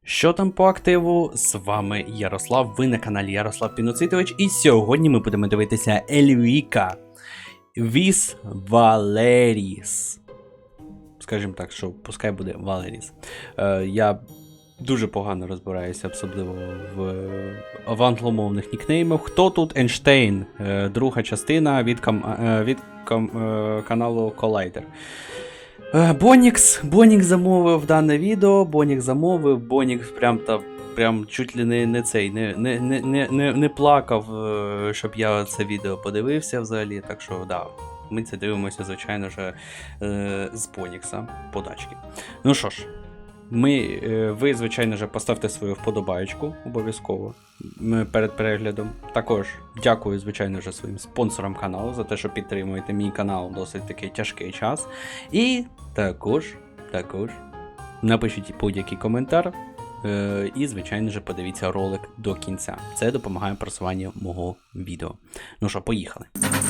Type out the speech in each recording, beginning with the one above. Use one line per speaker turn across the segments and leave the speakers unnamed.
Що там по активу? З вами Ярослав, ви на каналі Ярослав Піноцитович, і сьогодні ми будемо дивитися Ельвіка Віс Валеріс. Скажімо так, що пускай буде Валеріс. Я дуже погано розбираюся, особливо в англомовних нікнеймах. Хто тут Ейнштейн? Друга частина від каналу Collider. Бонікс замовив дане відео, Бонікс прям чуть ли не цей, не плакав, щоб я це відео подивився взагалі, так що да, ми це дивимося, звичайно ж, з Бонікса подачки. Ну що ж, ви, звичайно ж, поставте свою вподобаєчку обов'язково перед переглядом. Також дякую, звичайно ж, своїм спонсорам каналу за те, що підтримуєте мій канал досить такий тяжкий час. І також напишіть будь-який коментар і, звичайно ж, подивіться ролик до кінця. Це допомагає просуванню мого відео. Ну що, поїхали.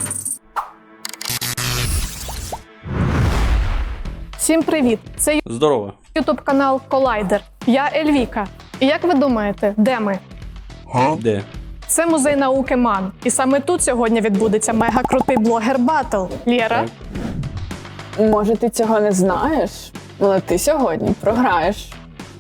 Всім привіт! Це
Здорово!
YouTube канал Collider. Я Ельвіка. І як ви думаєте, де ми?
Де?
Це музей науки МАН. І саме тут сьогодні відбудеться мега-крутий блогер-баттл. Лєра?
Може, ти цього не знаєш, але ти сьогодні програєш.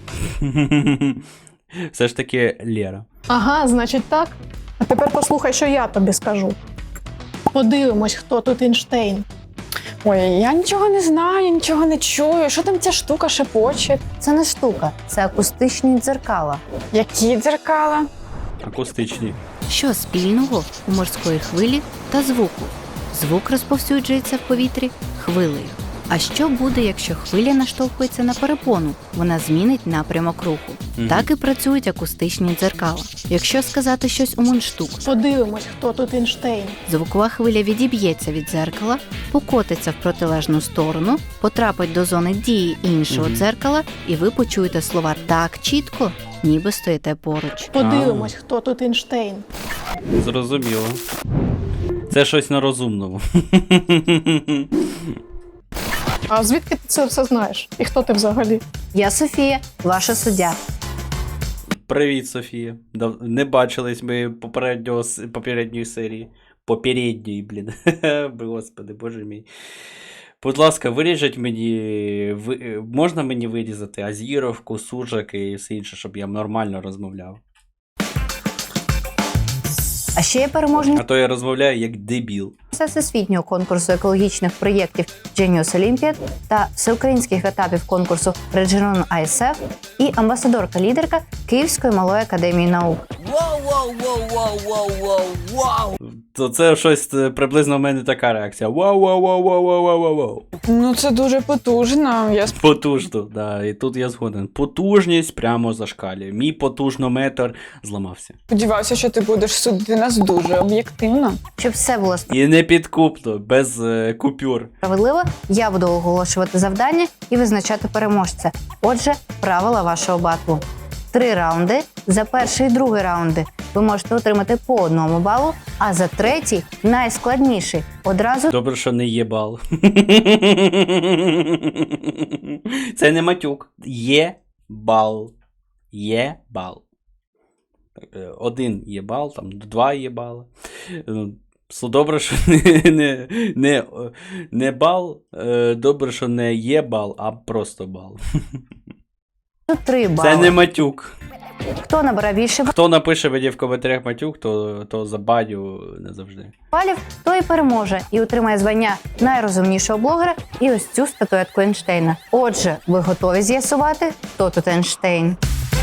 Все ж таки Лєра.
Ага, значить так. А тепер послухай, що я тобі скажу. Подивимось, хто тут Ейнштейн.
Ой, я нічого не знаю, нічого не чую. Що там ця штука шепоче?
Це не штука, це акустичні дзеркала.
Які дзеркала?
Акустичні.
Що спільного у морської хвилі та звуку? Звук розповсюджується в повітрі хвилею. А що буде, якщо хвиля наштовхується на перепону? Вона змінить напрямок руху. Так і працюють акустичні дзеркала. Якщо сказати щось у мундштук,
Подивимось, хто тут Ейнштейн.
звукова хвиля відіб'ється від дзеркала, покотиться в протилежну сторону, потрапить до зони дії іншого дзеркала, і ви почуєте слова так чітко, ніби стоїте поруч.
Подивимось, хто тут Ейнштейн.
Зрозуміло. Це щось на розумному.
А звідки ти це все знаєш? І хто ти взагалі?
Я Софія, ваша суддя.
Привіт, Софія. Не бачились ми попередньої серії. Попередньої, блін. Господи, боже мій. Будь ласка, виріжіть мені. Можна мені вирізати азіровку, сужак і все інше, щоб я нормально розмовляв.
А ще є переможниця
А то я розмовляю як дебіл.
всесвітнього конкурсу екологічних проєктів Genius Olympiad та всеукраїнських етапів конкурсу Regional ISF і амбасадорка-лідерка Київської малої академії наук.
То це щось приблизно в мене така реакція. Вау.
Ну, це дуже потужно.
Потужно, да, і тут я згоден. Потужність прямо зашкалює. Мій потужнометр зламався.
Сподіваюся, що ти будеш судити нас дуже об'єктивно.
Щоб все було
І не підкупно, без купюр.
справедливо, я буду оголошувати завдання і визначати переможця. Отже, правила вашого батлу. 3 раунди. За перший і другий раунди ви можете отримати по 1 балу, а за третій, найскладніший, одразу
Добре, що не є бал. Це не матюк. Є бал. Є бал. 1 є бал, там 2 є бали. Добре, що не бал. Добре, що не є бал, а просто бал.
3 бали.
Це не матюк.
Хто набере більше
Хто напише мені в коментарях матюк, то забаню назавжди.
балів, той і переможе і отримає звання найрозумнішого блогера і ось цю статуетку Ейнштейна. Отже, ви готові з'ясувати, хто тут Ейнштейн?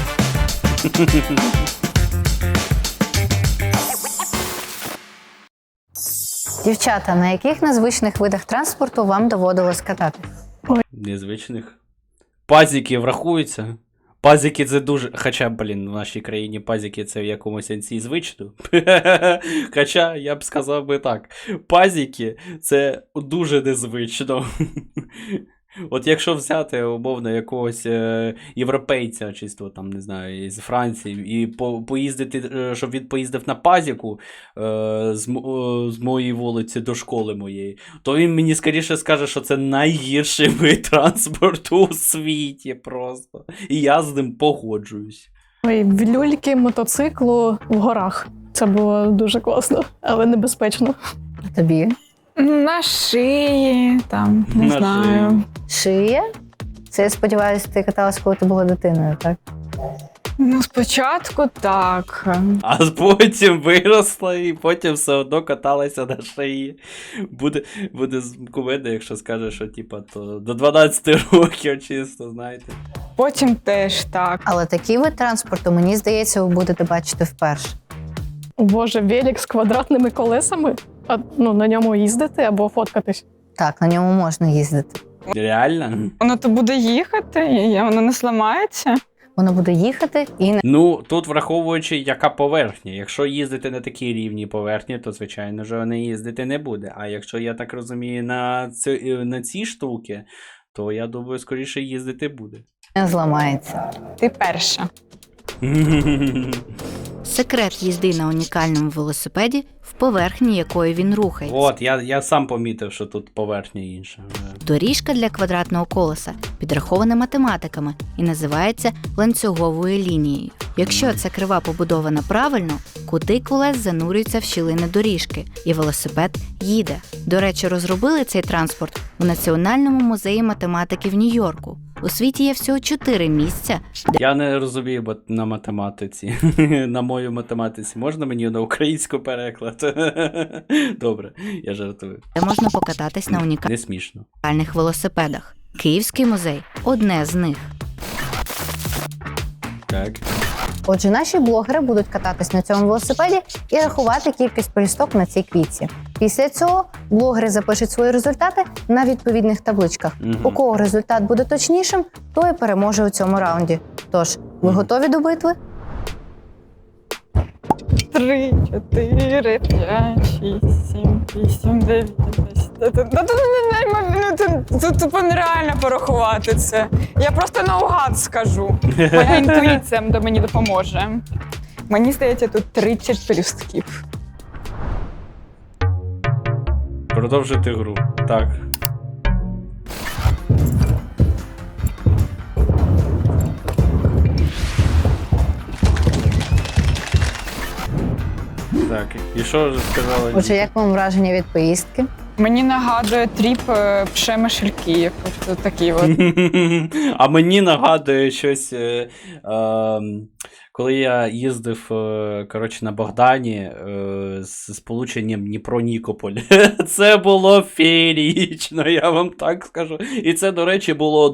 Дівчата, на яких незвичних видах транспорту вам доводилось катати?
Незвичних. Пазики врахуються. Пазики це дуже. Хоча, блін, в нашій країні пазики це в якомусь сенсі звично. Хоча, я б сказав би так. Пазики це дуже незвично. От якщо взяти, умовно, якогось європейця, чисто там, не знаю, з Франції, і поїздити, щоб він поїздив на пазіку з моєї вулиці до школи моєї, то він мені скоріше скаже, що це найгірший вид транспорту у світі просто. І я з ним погоджуюсь.
Ой, в люльки мотоциклу в горах. Це було дуже класно, але небезпечно.
А тобі?
На шиї, там, не
На
знаю.
Шия? Це, я сподіваюся, ти каталась, коли ти була дитиною, так?
Ну, спочатку так.
А потім виросла і потім все одно каталася на шиї. Буде кумедно, якщо скаже, що типа то до 12 років чисто, знаєте.
Потім теж так.
Але такий вид транспорту, мені здається, ви будете бачити вперше.
О, Боже, велик з квадратними колесами? А, ну, на ньому їздити або фоткатись?
Так, на ньому можна їздити.
Реально?
Воно то буде їхати, і воно не зламається.
Воно буде їхати і не...
Ну, тут враховуючи, яка поверхня. Якщо їздити на такій рівній поверхні, то, звичайно ж, не їздити не буде. А якщо, я так розумію, на ці штуки, то, я думаю, скоріше їздити буде.
не зламається.
Ти перша.
Секрет їзди на унікальному велосипеді в поверхні якої він рухається.
От, я сам помітив, що тут поверхня інша.
Доріжка для квадратного колеса підрахована математиками і називається ланцюговою лінією. Якщо ця крива побудована правильно, кути колес занурюються в щілини доріжки, і велосипед їде. До речі, розробили цей транспорт у Національному музеї математики в Нью-Йорку. У світі є всього 4 місця,
Я не розумію, бо на математиці. На мою математиці. Можна мені на українську переклад? Добре, я жартую.
де можна покататись на
Не смішно.
унікальних велосипедах. Київський музей – одне з них.
Так.
Отже, наші блогери будуть кататись на цьому велосипеді і рахувати кількість пелюсток на цій квітці. Після цього блогери запишуть свої результати на відповідних табличках.
Мгм.
У кого результат буде точнішим, той і переможе у цьому раунді. Тож, ви готові до битви?
3, 4, 5, 6, 7, 8, 9, 10. Тут тупо нереально порахувати це. Я просто наугад скажу. Моя інтуїція мені допоможе. Мені здається, тут 30 пелюстків.
Продовжити гру. Так. Так, і що ж сказали?
Отже, як вам враження від поїздки?
Мені нагадує тріп Пшемишельків. От такий от.
А мені нагадує щось, коли я їздив коротше, на Богдані з сполученням Дніпро-Нікополь. Це було феєрічно, я вам так скажу. І це, до речі, було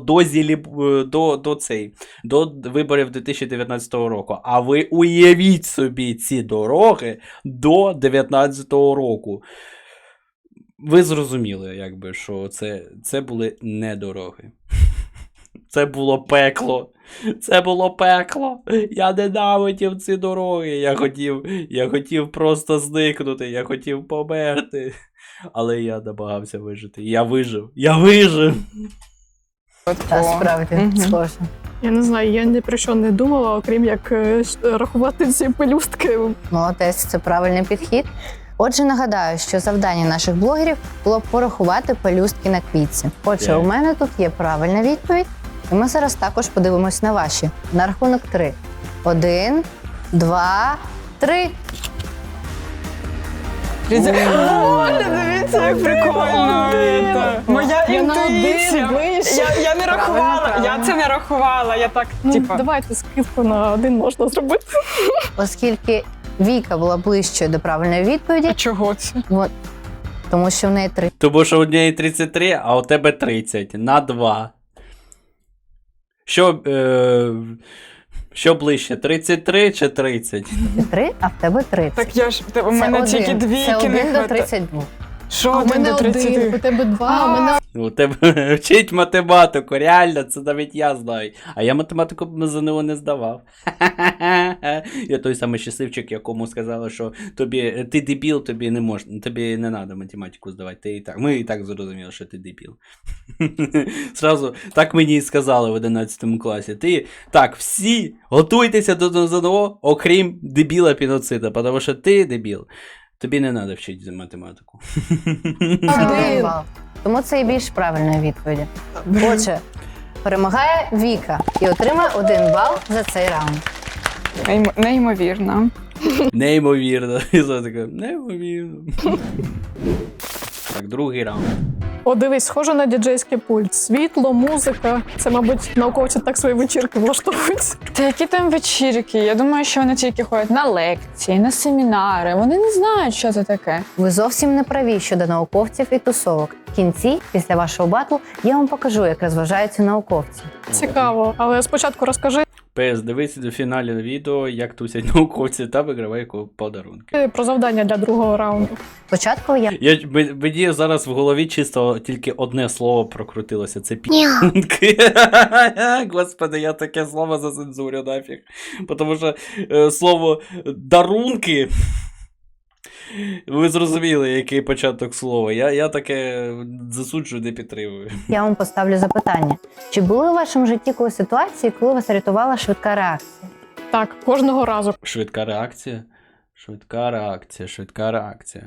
до виборів 2019 року. А ви уявіть собі ці дороги до 2019 року. Ви зрозуміли, якби, що це були не дороги. Це було пекло. Це було пекло. Я ненавидів ці дороги. Я хотів просто зникнути, я хотів померти. Але я намагався вижити. Я вижив.
Та справді,
Мгм.
схоже.
Я не знаю, я ні про що не думала, окрім як рахувати ці пелюстки.
Молодець, це правильний підхід. Отже, нагадаю, що завдання наших блогерів було порахувати пелюстки на квітці. Отже,
Так.
у мене тут є правильна відповідь, і ми зараз також подивимось на ваші. На рахунок 3. 1, 2, 3.
Оля, дивіться, як прикольно. Моя
Я на один
інтуїція.
вийшла.
Я не рахувала,
Правильно.
я це не рахувала. Я так,
Ну,
типа.
давайте скидку на 1 можна зробити.
Оскільки Віка була ближчою до правильної відповіді,
А чого це?
тому що в неї 3.
Тому що у неї 33, а у тебе 30. На 2. Що ближче, 33 чи 30?
3, а в тебе 30.
Так я ж, у мене тільки
Це
двійки
1
не
до
хватає.
32.
Що
А у
1
мене
до
1,
30?
у тебе 2, а у мене
У тебе вчить математику, реально, це навіть я знаю. А я математику на ЗНО не здавав. Я той самий щасливчик, якому сказали, що ти дебіл, тобі не треба математику здавати. Ми і так зрозуміли, що ти дебіл. Сразу так мені і сказали в 11 класі. Всі готуйтеся до ЗНО, окрім дебіла Піноцида, тому що ти дебіл. Тобі не треба вчити математику.
Один бал. Тому це і більш правильної відповіді. Отже, перемагає Віка і отримає 1 бал за цей раунд.
Неймовірно.
Неймовірно. І все таке, неймовірно. Так, другий раунд.
О, дивись, схоже на діджейський пульт. Світло, музика. Це, мабуть, науковці так свої вечірки влаштовують.
Та які там вечірки? Я думаю, що вони тільки ходять на лекції, на семінари. Вони не знають, що це таке.
Ви зовсім не праві щодо науковців і тусовок. В кінці, після вашого батлу, я вам покажу, як розважаються науковці.
Цікаво, але спочатку розкажи
ПС, дивись до фіналі відео, як тусять науковці та вигравай подарунки.
про завдання для другого раунду.
Спочатку я
Мені зараз в голові чисто тільки одне слово прокрутилося, це пі***нки. Господи, я таке слово зацензурю нафіг. Тому що слово дарунки, ви зрозуміли, який початок слова. Я таке засуджую, не підтримую.
вам поставлю запитання. Чи були у вашому житті коли ситуації, коли вас рятувала швидка реакція?
Так, кожного разу.
Швидка реакція? Швидка реакція.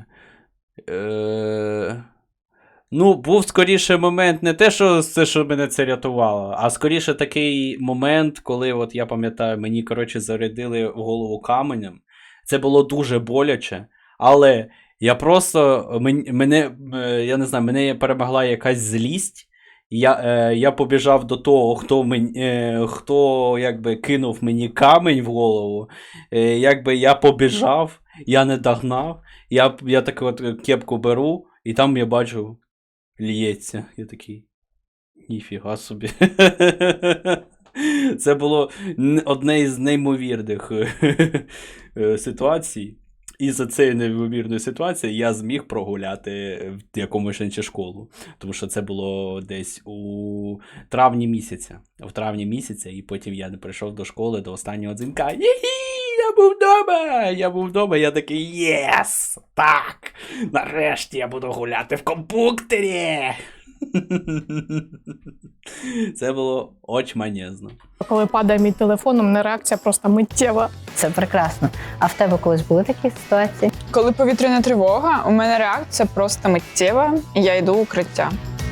Ну, був скоріше момент не те, що це, що мене це рятувало, а скоріше такий момент, коли, от я пам'ятаю, мені, зарядили в голову каменем. Це було дуже боляче, але я просто, я не знаю, мене перемогла якась злість. Я побіжав до того, хто якби кинув мені камінь в голову. Я побіжав, я не догнав. Я таку от кепку беру, і там я бачу, лється. Я такий, ніфіга собі. Це було одне із неймовірних ситуацій. І за цією неймовірною ситуацією я зміг прогуляти в якомусь іншу школу. Тому що це було десь у травні місяця. В травні місяця, і потім я не прийшов до школи до останнього дзвінка. Я був вдома, я такий, єс! Так! Нарешті я буду гуляти в комп'ютері! Це було очманезно.
Коли падає мій телефон, у мене реакція просто миттєва.
Це прекрасно. А в тебе колись були такі ситуації?
Коли повітряна тривога, у мене реакція просто миттєва, і я йду в укриття.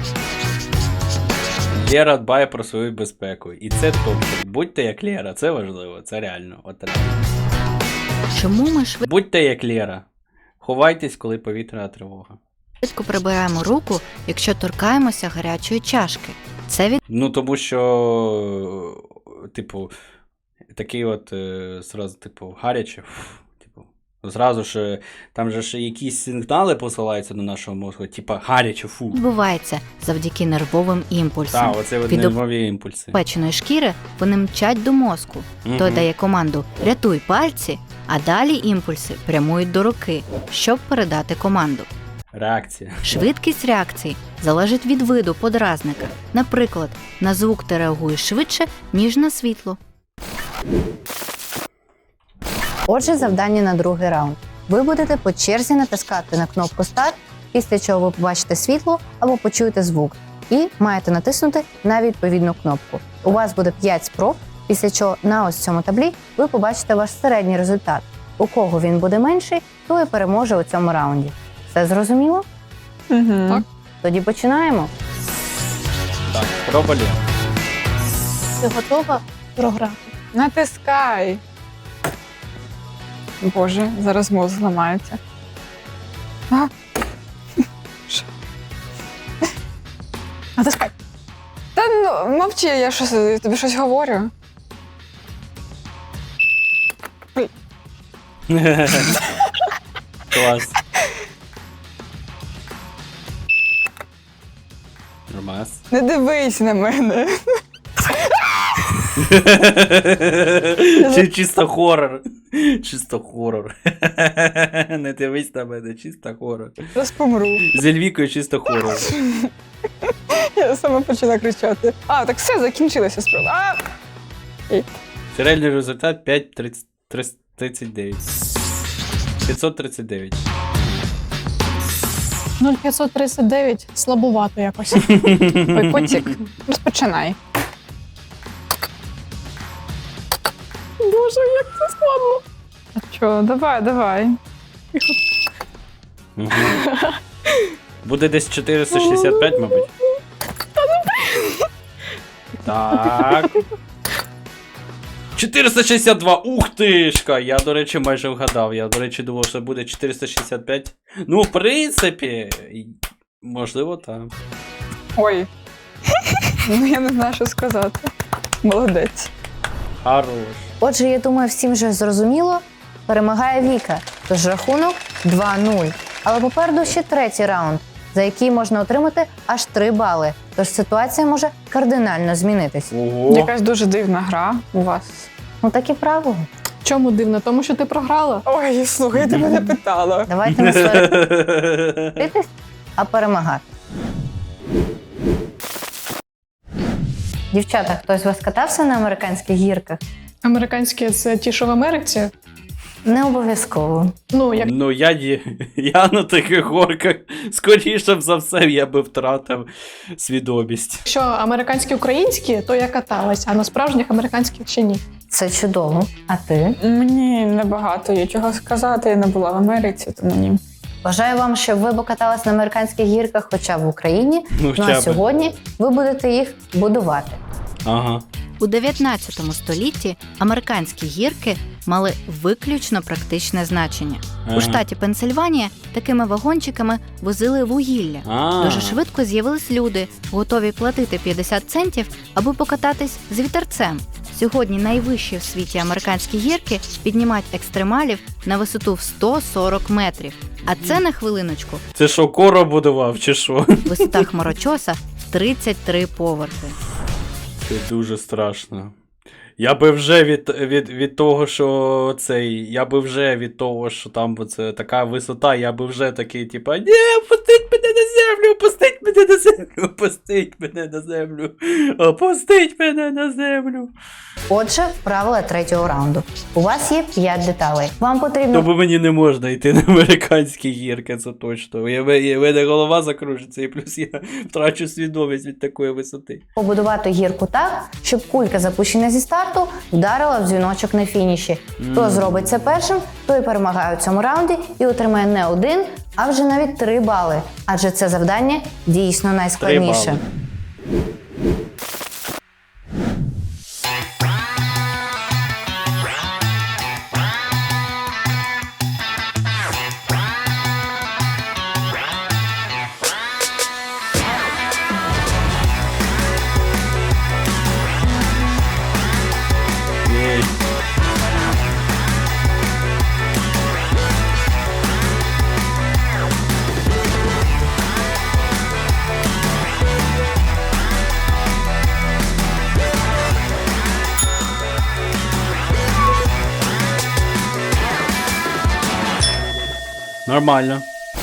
Лера дбає про свою безпеку. І це топчик. Будьте як Лера, це важливо, це реально. От реально.
Чому ми
Будьте як Лера. Ховайтесь, коли повітряна тривога.
швидко прибираємо руку, якщо торкаємося гарячої чашки? Це від
Ну, тому що, такий от, сразу, гаряче, зразу ж, там же ж якісь сигнали посилаються на нашого мозку, гаряче, фу.
відбувається завдяки нервовим імпульсам.
Так, оце от
Від
нервові імпульси.
печеної шкіри вони мчать до мозку. Той дає команду «рятуй пальці», а далі імпульси прямують до руки, щоб передати команду.
Реакція.
Швидкість реакції залежить від виду подразника. Наприклад, на звук ти реагуєш швидше, ніж на світло.
Отже, завдання на другий раунд. Ви будете по черзі натискати на кнопку «Старт», після чого ви побачите світло або почуєте звук. І маєте натиснути на відповідну кнопку. У вас буде 5 спроб, після чого на ось цьому таблі ви побачите ваш середній результат. У кого він буде менший, той і переможе у цьому раунді. Все зрозуміло?
Угу.
Так.
Тоді починаємо.
Так, спроба Лера.
Ти готова програти?
Натискай. Боже, зараз мозок зламається. А?
Натискай.
Та ну, мовчи, я тобі щось говорю.
Клас. Нормас.
Не дивись на мене.
Чи чисто хорор. Чисто хорор. Не дивись на мене, чисто хорор.
Зараз помру.
З Ельвікою чисто хорор.
Я сама почала кричати. А, так все, закінчилася справа.
Фінальний результат 5,39. 539.
0,539 слабувато якось.
Ой, котик, розпочинай.
Боже, як це складно.
А чо, давай.
Угу. Буде десь 465, мабуть. Так. 462! Ух тишка! Я, до речі, майже вгадав. Я, до речі, думав, що буде 465. Ну, в принципі, можливо, так.
Ой. Ну, я не знаю, що сказати. Молодець.
Хорош.
Отже, я думаю, всім вже зрозуміло. Перемагає Віка, тож рахунок 2-0. Але попереду ще третій раунд, за який можна отримати аж 3 бали. Тож ситуація може кардинально змінитись.
Ого.
Якась дуже дивна гра у вас.
Ну такі правила.
Чому дивно? Тому що ти програла.
Ой, слухай, ти мене питала.
Давайте не сваритись, а перемагати. Дівчата, хтось з вас катався на американських гірках?
Американські це ті, що в Америці.
Не обов'язково.
Ну, як
Ну, я на таких горках, скоріше б за все, я би втратив свідомість.
якщо американські українські, то я каталась, а на справжніх американських ще ні.
Це чудово. А ти?
Мені небагато є чого сказати, я не була в Америці, тому ні.
Бажаю вам, щоб ви покатались на американських гірках хоча б в Україні.
Ну,
Ну а
хоча б.
сьогодні ви будете їх будувати.
Ага.
У 19 столітті американські гірки мали виключно практичне значення.
Ага.
У штаті Пенсильванія такими вагончиками возили вугілля. Дуже швидко з'явились люди, готові платити 50 центів, аби покататись з вітерцем. Сьогодні найвищі в світі американські гірки піднімають екстремалів на висоту в 140 метрів. А це, на хвилиночку,
Це що, Коро будував, чи що?
висота хмарочоса 33 поверхи.
Це дуже страшно. Я би вже від того, що цей. Я би вже від того, що там це така висота, я би вже такий, типа, ні, опустіть мене на землю, опустіть мене на землю, опустіть мене на землю, опустіть мене на землю.
Отже, правила третього раунду. У вас є 5 деталей. Вам потрібно
Тобто мені не можна йти на американські гірки, це точно. У мене голова закружиться, і плюс я втрачу свідомість від такої висоти.
побудувати гірку так, щоб кулька, запущена зі старту, вдарила в дзвіночок на фініші. Хто зробить це першим, той перемагає у цьому раунді і отримає не 1, а вже навіть 3 бали. Адже це завдання дійсно
3
найскладніше.
бали. Єй. Нормально.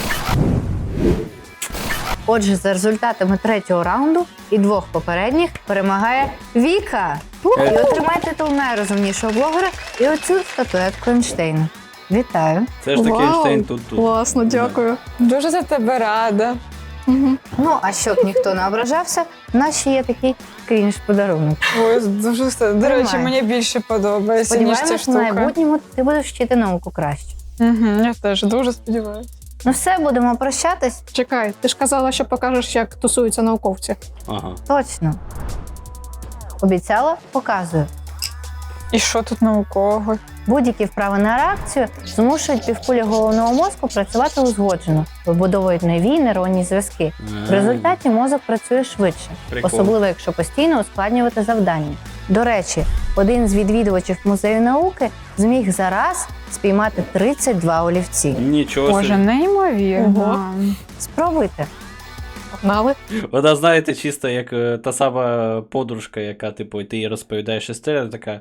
Отже, за результатами третього раунду і 2 попередніх перемагає Віка. І отримає титул найрозумнішого блогера і оцю статуетку Ейнштейна. Вітаю.
Це ж таки
Вау,
Ейнштейн тут.
Класно, дякую.
Дуже за тебе рада.
Угу.
Ну, а щоб ніхто не ображався, в нас ще є такий крінж-подарунок.
Ой, дуже все. До речі,
Тримай.
мені більше подобається, ніж ця
Сподіваємось, в
штука.
майбутньому ти будеш вчити науку краще.
Угу, я теж дуже сподіваюся.
Ну все, будемо прощатись.
Чекай, ти ж казала, що покажеш, як тусуються науковці.
Ага.
Точно. Обіцяла, показую.
І що тут наукового?
Будь-які вправи на реакцію змушують півкулі головного мозку працювати узгоджено, вибудовують нові нейронні зв'язки. В результаті мозок працює швидше,
Прикол.
особливо якщо постійно ускладнювати завдання. До речі, один з відвідувачів музею науки зміг за раз спіймати 32 олівці.
Нічого
Боже,
собі.
неймовірно.
Ого.
Спробуйте.
Погнали.
Вона, знаєте, чисто як та сама подружка, яка, типу, ти їй розповідаєш історію, така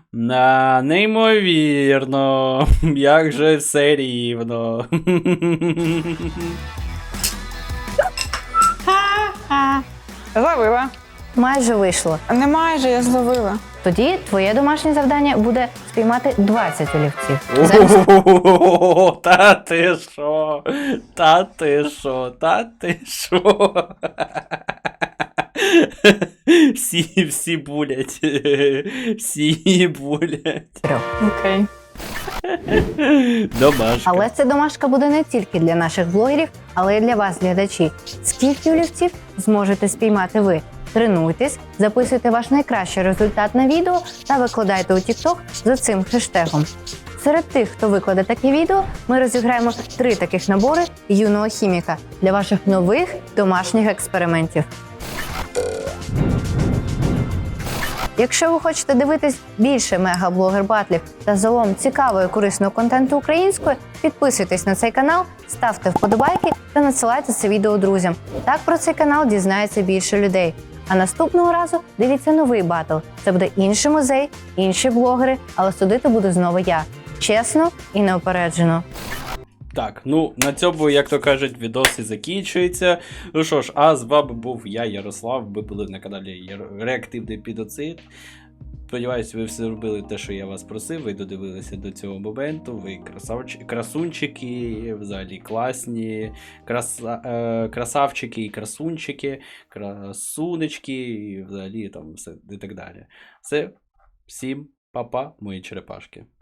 неймовірно, як же все рівно.
Зловила.
Майже вийшло.
Не майже, я зловила.
Тоді твоє домашнє завдання буде спіймати 20 олівців. Замість
О, та ти що? Та ти що? Та ти що? Всі булять. Всі булять.
3.
Окей.
Домашка.
Але ця домашка буде не тільки для наших блогерів, але й для вас, глядачі. Скільки олівців зможете спіймати ви? Тренуйтесь, записуйте ваш найкращий результат на відео та викладайте у TikTok за цим хештегом. Серед тих, хто викладе таке відео, ми розіграємо 3 таких набори юного хіміка для ваших нових домашніх експериментів. Якщо ви хочете дивитись більше мегаблогер-батлів та загалом цікавого і корисного контенту українською, підписуйтесь на цей канал, ставте вподобайки та надсилайте це відео друзям. Так про цей канал дізнається більше людей. А наступного разу дивіться новий батл. Це буде інший музей, інші блогери, але судити буду знову я. Чесно і неупереджено.
Так, ну на цьому, як то кажуть, відос і закінчується. Ну що ж, а з вами був я, Ярослав. Ви були на каналі Реактивний Підоцид. Сподіваюсь, ви все зробили те, що я вас просив. Ви додивилися до цього моменту. Ви красунчики, взагалі класні, красавчики і красунчики, красунечки, і взагалі там все і так далі. Все, всім па-па, мої черепашки.